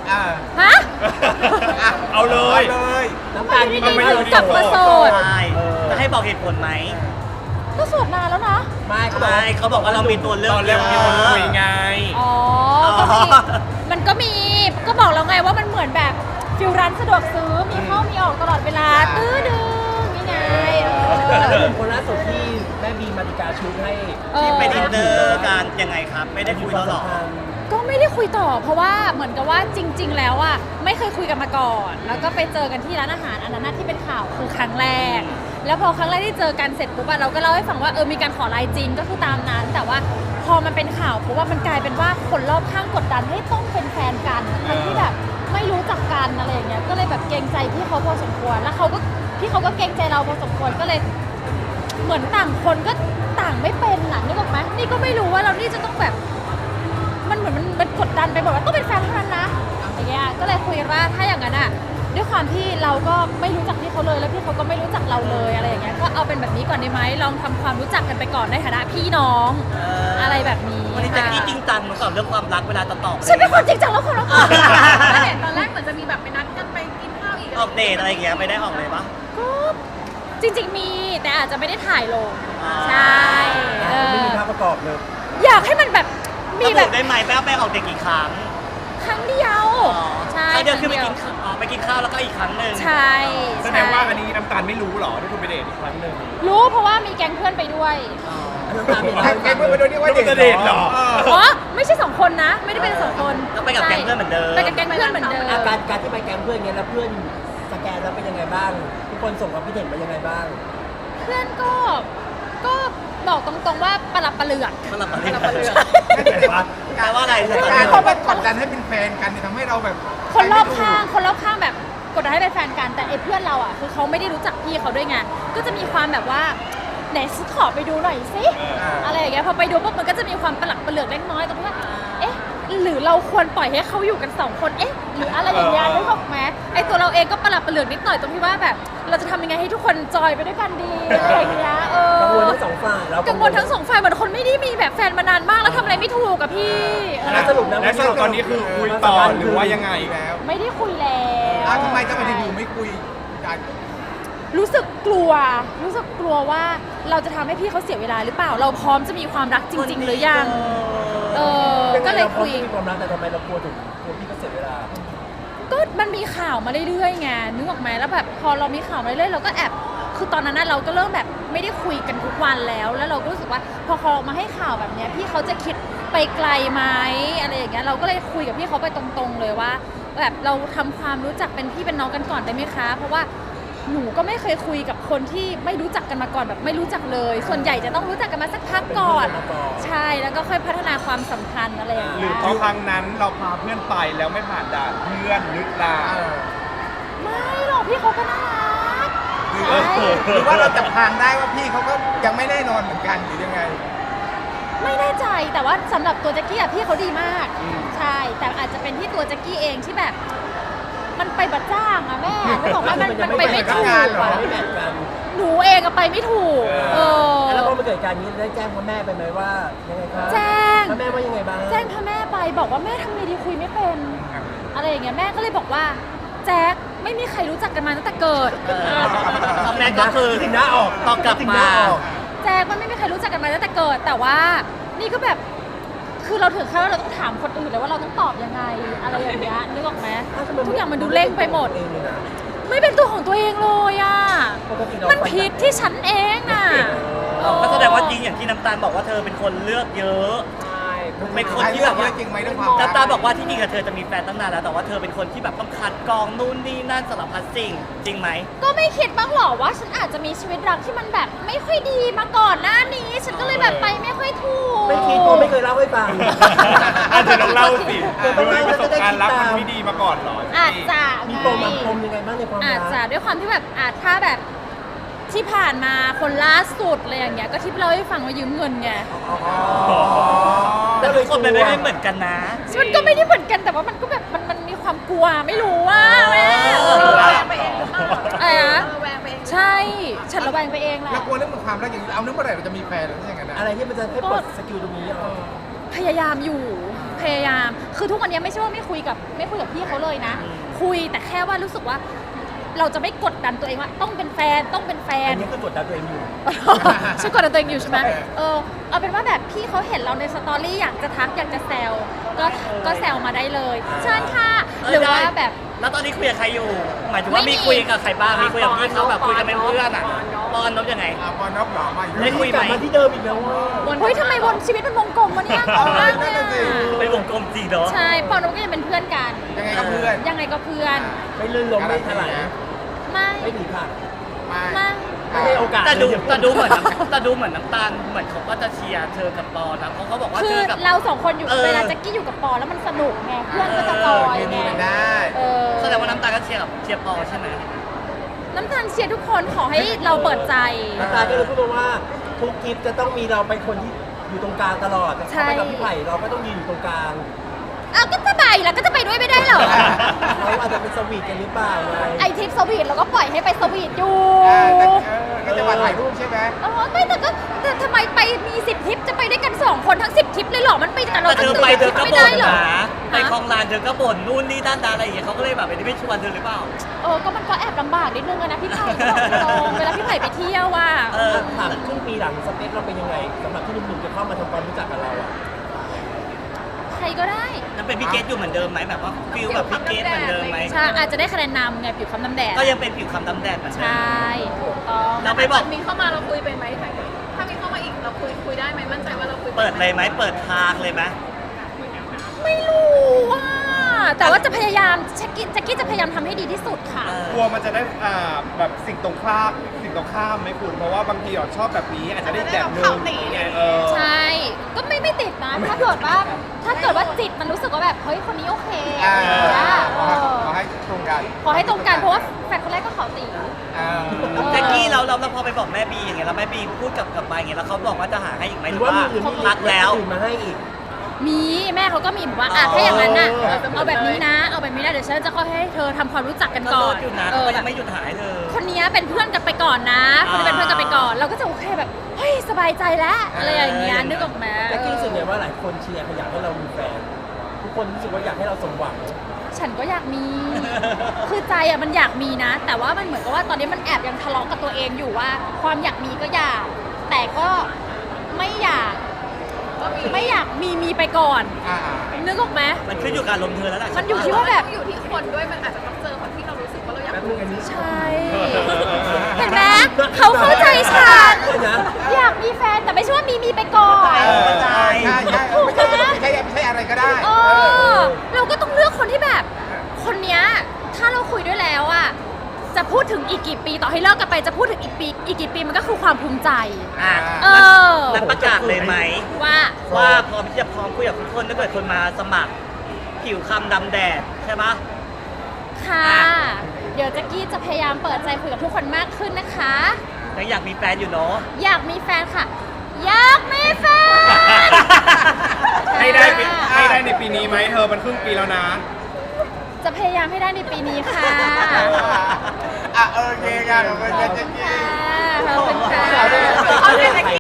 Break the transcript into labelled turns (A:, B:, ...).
A: ฮะ
B: เอาเลย
C: น้ำตาล
A: ไม่
C: ไม่
A: ได้
C: ได้
A: กลับมาโสด
D: ใช่จะให้บอกเหตุผลไหม
A: ก็โสดนานแล้วนะ
C: ไม่เขาบอก
D: ใช่เขาบอกว่าเรามีตัวเลือก
B: ตอนแรกมีคนคุยไง
A: อ๋อก็มีมันก็มีก็บอกแล้วไงว่ามันเหมือนแบบฟิลร้านสะดวกซื้อมีเข้ามีออกตลอดเวลาตื้อดึงนี่ไง
C: แล้วหนุ่มคนล่าสุดที่แม่บีมาริกาชูให้
D: ที่ไปดินเนอร์กันยังไงครับ ไม่ได้คุยแล้วหรอ
A: ก็ไม่ได้คุยต่อเพราะว่าเหมือนกับว่าจริง ๆ แล้วอ่ะไม่เคยคุยกันมาก่อน แล้วก็ไปเจอกันที่ร้านอาหารอันนั้นนะที่เป็นข่าวคือครั้งแรก แล้วพอครั้งแรกที่เจอกันเสร็จปุ๊บอะเราก็เล่าให้ฟังว่ามีการขอไลน์จริงก็คือตามนั้น แต่ว่าพอมันเป็นข่าวปุ๊บว่ามันกลายเป็นว่าคนรอบข้างกดดันให้ต้องเป็นแฟนกันทั้งที่แบบไม่รู้จักกันอะไรอย่างเงี้ยก็เลยแบบเกรงใจพี่เขาพอสมควรแล้วพี่เขาก็เกรงใจเราพอสมควรก็เลย เหมือนต่างคนก็ต่างไม่เป็นน่ะนึกออกไหมนี่ก็ไม่รู้ว่าเรานี่จะต้องแบบมันเหมือนมันกดดันไปหมดว่าต้องเป็นแฟนเท่านั้นนะอย่างเงี้ยก็เลยคุยกันว่าถ้าอย่างนั้นอ่ะด้วยความที่เราก็ไม่รู้จักพี่เขาเลยแล้วพี่เขาก็ไม่รู้จักเราเลยอะไรอย่างเงี้ยก็เอาเป็นแบบนี้ก่อนได้ไหมลองทำความรู้จักกันไปก่อนในฐานะพี่น้องอะไรแบบนี้
D: วันนี้แจ็คกี้จริงจังมาสอนเรื่องความรักเวลาจะตอบ
A: ฉันเป็นคนจริงจังแล้วคนละคน
E: ไม่เห็นตอนแรกเหมือนจะมีแบบไปนัดกันไปกินข้าวอีก
D: ออกเดทอะไรอย่างเงี้ยไม่ได้ออกเลยปะ
A: ก็จริงๆมีแต่อาจจะไม่ได้ถ่ายลง
D: อ่า
A: ใช่เอ
C: ไม่
A: อ
C: มีภาพประกอบเลย
A: อยากให้มันแบบมี
D: ระ
A: แบ
D: บุ
A: บ
D: ได้ไหมแป้ไปออกเดทกี่ครั้ง
A: ครั้งเดียวใช่
D: ครั้งเดียวคือไป
A: รั้
D: กินข้าวไปกินข้าวแล้วก็อีกครั้งหนึ่ง
A: ใช่
B: แสดงว่าอันนี้น้ำตาลไม่รู้หรอที่คุณไปเดทอีกครั้งหนึ่ง
A: รู้เพราะว่ามีแก๊งเพื่อนไปด้วย
C: น้ำตาลเป็น
B: แกเพื่อนไปโดนที่ว่าเดทเหรอ
A: อ๋อไม่ใช่2 คนนะ ไม่ได้เป็น2 คน
D: ก็ไปกับแก๊งเพื่อนเหมือนเดิม
A: ไปกับแก๊งเพื่อนเหมือนเดิม
C: อาการที่ไปแก๊งเพื่อนเงี้ยแล้วเพื่อนสแกนแล้วเป็นยังไงบ้าง ทุกคนส่งความคิดเห็นมายังไงบ้าง
A: เพื่อนก็บอกตรงๆว่าประหลับประเหลือก
D: มันหลับมันหลับ
B: แปลว่า
D: แปลว่าอะไร
B: การเขาไปกดดันให้เป็นแฟนกันทำให้เราแบบ
A: คนรอบข้างแบบกดดันให้เป็นแฟนกันแต่ไอ้เพื่อนเราอ่ะคือเขาไม่ได้รู้จักพี่เขาด้วยไงก็จะมีความแบบว่าไหนขอไปดูหน่อยสิอะไรอย่างเงี้ยพอไปดูปุ๊บมันก็จะมีความประหลักประเหลือกเล็กน้อยตรงที่ว่าเอ๊ะหรือเราควรปล่อยให้เขาอยู่กัน2 คนเอ๊ะหรืออะไรอย่างเงี้ยนึกออกไหมไอ้ตัวเราเองก็ประหลักประเหลือกนิดหน่อยตรงที่ว่าแบบเราจะทำยังไงให้ทุกคนจอยไปด้วยกันดีอะไรอย่างเงี้ย
C: กังวลทั้งสองฝ่ายเรา
A: กังวลทั้ง2 ฝ่ายเหมือนคนไม่ได้มีแบบแฟนมานานมากแล้วทำอะไรไม่ถูกกับพี่
C: แล้วสรุปนะ
B: และสรุปตอนนี้คือคุยต่อหรือว่ายังไงแล้ว
A: ไม่ได้คุยแล้ว
B: ทำไมจะมาอยู่ไม่คุยกัน
A: รู้สึกกลัวว่าเราจะทำให้พี่เขาเสียเวลาหรือเปล่า เราพร้อมจะมีความรักจริง ๆ หรือยังก็เลยคุย
C: มีความรักแต่ทำไมเรากลัวพี่ก็เสียเวลา
A: ก็มันมีข่าวมาเรื่อยๆไงนึกออกไหมแล้วแบบพอเรามีข่าวมาเรื่อยๆเราก็แอบคือตอนนั้นเราก็เริ่มแบบไม่ได้คุยกันทุกวันแล้วเราก็รู้สึกว่าพอเขามาให้ข่าวแบบเนี้ยพี่เขาจะคิดไปไกลไหมอะไรอย่างเงี้ยเราก็เลยคุยกับพี่เขาไปตรงๆเลยว่าแบบเราทำความรู้จักเป็นพี่เป็นน้องกันก่อนได้ไหมคะเพราะว่าหนูก็ไม่เคยคุยกับคนที่ไม่รู้จักกันมาก่อนแบบไม่รู้จักเลย ส่วนใหญ่จะต้องรู้จักกันมาสักพักก่อนใช่แล้วก็ค่อยพัฒนาความสัมพันธ์อะไรอย่าง
B: ห
A: เงี้
B: รือย เพราะครั้งนั้นเราพาเพื่อนไปแล้วไม่ผ่านด่านเพื่อนหรือเปล่า
A: ไม่หรอกพี่เขาก็น่ารักใช่
B: หรือว่าเราจับทางได้ว่าพี่เขาก็ยังไม่แน่นอนเหมือนกันหรือยังไง
A: ไม่แน่ใจแต่ว่าสำหรับตัวแจ็คกี้อะพี่เขาดีมากใช่แต่อาจจะเป็นที่ตัวแจ็คกี้เองที่แบบมันไปบัดจ้างอะแม่ไม่บอกว่ามันไปไม่ถูก
C: ไม่แมทกัน
A: หนูเองอะไปไม่ถูก
C: แล้วพอมาเกิดการนี้ได้แจ้งพ่อแม่ไปไหมว่ายังไงครับ
A: แจ้ง
C: พ่อแม่ว่ายังไงบ้าง
A: แจ้งพ่อแม่ไปบอกว่าแม่ทำไงดีคุยไม่เป็นอะไรอย่างเงี้ยแม่ก็เลยบอกว่าแจ็คไม่มีใครรู้จักกันมาตั้งแต่เกิด
D: คอมเมนต์ก็คือ
C: ถึงหน้าออก
D: ตอบกลับ
C: ถึงห
D: มา
C: น้าออก
A: แจ็คมันไม่มีใครรู้จักกันมาตั้งแต่เกิด แต่ว่านี่ก็แบบคือเราถึงขั้นว่าเราต้องถามคนอื่นเลยว่าเราต้องตอบยังไงอะไรอย่างเงี้ยนึกออกไหมทุกอย่างมันดูเร่งไปหมด ไม่เป็นตัวของตัวเองเลยอ่ะมันผิดที่ฉันเองน่ะ
D: ก็แสดงว่าจริงอย่างที่น้ำตาลบอกว่าเธอเป็นคนเลือกเยอะ เป็นคนที่แบบว่า
B: จริงไหมเรื่องความ
D: น้ำตาลบอกว่าที่จริงกับเธอจะมีแฟนตั้งนานแล้วแต่ว่าเธอเป็นคนที่แบบต้องคัดกรองนู่นนี่นั่นสารพัดสิ่งจริงไหม
A: ก็ไม่คิดบ้างหรอว่าฉันอาจจะมีชีวิตรักที่มันแบบไม่ค่อยดีมาก่อนหน้านี้ ฉันก็เลยแบบไปไม่ค่อยถูก
C: ไม่คิดเพราะไม่เคยเล่าให้ฟัง
B: อาจจะต้องเล่าสิ
C: ไม่ไม่
B: ประสบการณ์รักมันไม่ดีมาก่อนเหรอ
A: อาจจะ
C: มี
A: ไง
C: ปมยังไงบ้างในความรัก
A: อาจจะด้วยความที่แบบถ้าแบบที่ผ่านมาคนล่าสุดอะไรอย่างเงี้ยก็ที่เราให้ฟังว่ายืมเงินไง
D: แต่ทุกคนมันไม่ได้เหมือนกันนะ
A: มันก็ไม่ได้เหมือนกันแต่ว่ามันก็แบบมันมีความกลัวไม่รู้ว่าแม่
E: ระแวงไปเองหรือเปล่า
A: อะไรนะ
E: ระแวงไปเอง
A: ใช่ฉันระแวงไปเองแหละ
B: แล้วกลัวเรื่องความรักอย่างนี้เอาเรื่องเมื่อไหร่เราจะมีแฟนหรือยังไงนะ
C: อะไรที่มันจะให้ปลดสกิลตรงนี้ออก
A: พยายามอยู่พยายามคือทุกวันนี้ไม่ใช่ว่าไม่คุยกับพี่เขาเลยนะ คุยแต่แค่ว่ารู้สึกว่าเราจะไม่กดดันตัวเองว่าต้องเป็นแฟนต้องเป็นแฟน
C: อันนี้คือกดดันตัวเองอยู่
A: ฉันกดดันตัวเองอยู่ใช่ไหมเอาเป็นว่าแบบพี่เขาเห็นเราในสตอรี่อยากจะทักอยากจะแซวก็แซวมาได้เลยเชิญค่ะหรือว่าแบบ
D: แล้วตอนนี้คุยกับใครอยู่ หมายถึงว่า
A: ไม่มี
D: มีคุยกับใครบ้าง มีคุยกับพี่เขาแบบคุยกันเป็นเพื่อนอ่ะปอนนบยังไง
B: ปอนนบหรอมาอยู่
D: ได้คุย
C: กลับมาที่เดิมอีกแล้วว่า
A: เฮ้ยทำไมวนชีวิตเป็นวงกลมวะเนี่ยงงมากเลย
B: นั่นน่ะสิ
A: อะ
D: เป็นวงกลมจริงเนาะ
A: ใช่ปอนนบก็ยังเป็นเพื่อนกัน
B: ยังไงกับเพื่อน
A: ยังไงก็เพื่อน
C: ไม่ลื่นล้มไม่ถลาย
A: ไม่
C: ไม่หนีผ่าน
A: ไม่
C: ไม่ให้โอกาส
D: แต่ดู
C: เลย
D: แต่ดูเหมือนน้ำตาลเหมือนเขาก็จะเชียร์เธอกับปอนนะเพราะเขาบอกว่า
A: คื
D: เธ
A: อ
D: อกับ
A: เราสองคนอยู่
D: เออ
A: เวลาแจ็คกี้อยู่กับปอแล้วมันสนุกไงเพื่อนก็จะจอยไง
B: ได้
A: เออ
D: แสดงว่าน้ำตาลก็เชียร์กับเชียร์ปอใช่ไหม
A: น้ำตาลเชียร์ทุกคนขอให้เราเปิดใจ
C: น้ำตาลก็เลยพูดมาว่าทุกคลิปจะต้องมีเราเป็นคนที่อยู่ตรงกลางตลอด
A: ใช่
C: ถ้าไปกับพี่ไผ่เราก็ต้องยืนอยู่ตรงกลาง
A: อ้าวก็จะไปแล้วก็จะไปด้วยไม่ได้เหรอ
C: เขาอาจจะเป็นสวีทกันหรือเปล่าไง
A: ไอทริปสวีทเราก็ปล่อยให้ไปสวีทอยู่
B: ก็จะมาถ่ายรูปใช่ไหม
A: ไม่แต่ทำไมไปมี10ทริปจะไปด้วยกัน2คนทั้ง10ทริปเลยเหรอมันไปกับเรา
D: แต่เธอไปเธอก็
A: ไม่
D: บ่
A: ได้
D: น
A: เหรอ
D: นะไปคลองลานเธอก็บ่นนู่นนี่ด้านอะไรอย่างเงี้ยเขาก็เลยแบบไม่ชวนเธอหรือเปล่า
A: ก็มันก็แอบลำบากนิดนึงอะนะพี่ไผ่ก็บอกตรงเวลาพี่ไผ่ไปเที่ยวว่า
C: ถามครึ่งปีหลังสเปคเราเป็นยังไงสำหรับที่หนุ่มๆจะเข้ามาทำความรู้จักกับเราอ่ะ
A: ใครก็ได้
D: นั่นเป็นพี่เกตอยู่เหมือนเดิมไหมแบบว่าฟิลแบบพี่เกตเหมือนเดิมไหม
A: ใช่อาจจะได้คะแนนนำไงผิวคำน้ำแดด
D: ก็ยังเป็นผิวคำดำแดดเหมือน
A: ใช
D: เดิม่
A: ถูกต้อง
D: เราไปบอก
E: มีเข้ามาเราคุยเป็นไหมถ้ามีเข้ามาอีกเราคุยได้ไหมมั่นใจว่าเราคุย
D: เปิดเลยไหมเปิดทางเลยไหม
A: ไม่รู้ว่าแต่ว่าจะพยายามแจ็คกี้จะพยายามทำให้ดีที่สุดค่ะ
B: กลัวมันจะได้แบบสิ่งตรงข้ามไหมคุณเพราะว่าบางทีชอบแบบนี้อาจจะได้แบบนึงไง
A: ใช่ ก็ไม่ติดนะ ถ้าเกิดว่าจิตมันรู้สึกว่าแบบเฮ้ยคนนี้โอเคอะไรอย่างเงี้ย
B: ขอให้ตรงกัน
A: ขอให้ตรงกันเพราะว่าแฟนคนแรกก็ขอตี
D: แจ็คกี้เราพอไปบอกแม่บีอย่างเงี้ยแล้วแม่บีพูดกับไปอย่างเงี้ยแล้วเขาบอกว่าจะหาให้อีกไหม
C: ห
D: ห
C: รื
D: รือ อ
C: ว่า
D: ว่า
C: มี
D: พักแล้ว
C: อื่นมาให้อีก
A: มีแม่เขาก็มีบอกว่าถ้าอย่างนั้นน่ะเอาแบบนี้นะเดี๋ยวฉันจะค่อยให้เธอทำความรู้จักกัน
D: ก็
A: ก่
D: โด
A: อน
D: นอยู่นะ
A: แบ
D: ก็ยั
A: บ
D: งไม่หยุดหายเธอ
A: คนนี้เป็นเพื่อนกันไปก่อนนะคนนี้เป็นเพื่อนกันไปก่อน เราก็จะโอเคแบบเฮ้ยสบายใจแล้วอะไรอย่างเงี้ยนึกออกไหม
C: แจ็คกี้รู้สึกไงว่าหลายคนเชียร์อยากให้เรามีแฟน ทุกคนรู้สึกว่าอยากให้เราสมหวัง
A: ฉันก็อยากมี คือใจอะมันอยากมีนะ แต่ว่ามันเหมือนกับว่าตอนนี้มันแอบยังทะเลาะกับตัวเองอยู่ว่า ความอยากมีก็อยาก แต่ก็ไม่อยากมีไปก่อนนึกออกไหม
D: มันขึ้นอยู่กับอารมณ์เธอแล้วแหละ
A: มันอยู่ที่ว่าแบบ
E: อยู่ที่คนด้วยมันอาจจะต้องเจอคนที่เรารู้สึกว่าเราอยาก
C: แป๊บนึงอันนี้
A: ใช่ เห็นไหมเขาเข้าใจฉัน
C: นะ
A: อยากมีแฟนแต่ไม่ใช่ว่ามีไปก่อน
B: ใช่ไม่ใช่อะไรก็ได้
A: เราก็ต้องเลือกคนที่แบบ คนเนี้ยถ้าเราคุยด้วยแล้วอะจะพูดถึงอีกกี่ปีต่อให้เลิกกันไปจะพูดถึงอีกกี่ปีมันก็คือความภูมิใจ
D: อ่ะ
A: เออ
D: นั้นประกาศเลยไหม
A: ว่า
D: ว่าพร้อมที่จะพร้อมคุยกับทุกคนถ้าเกิดคนมาสมัครผิวคำดำแดดใช่ปะ
A: ค่ะ เดี๋ยวแจ็กกี้จะพยายามเปิดใจคุยกับทุกคนมากขึ้นนะคะ
D: ยังอยากมีแฟนอยู่เนาะ
A: อยากมีแฟนค่ะ อยากมีแฟน
B: ให้ได้ในปีนี้ไหมเธอมันครึ่งปีแล้วนะ
A: จะพยายามให้ได้ในปีนี้ค่ะ
B: โอเคค่ะขอบคุณค่ะ
A: ขอบคุณค่ะ
C: เอาได้ไหม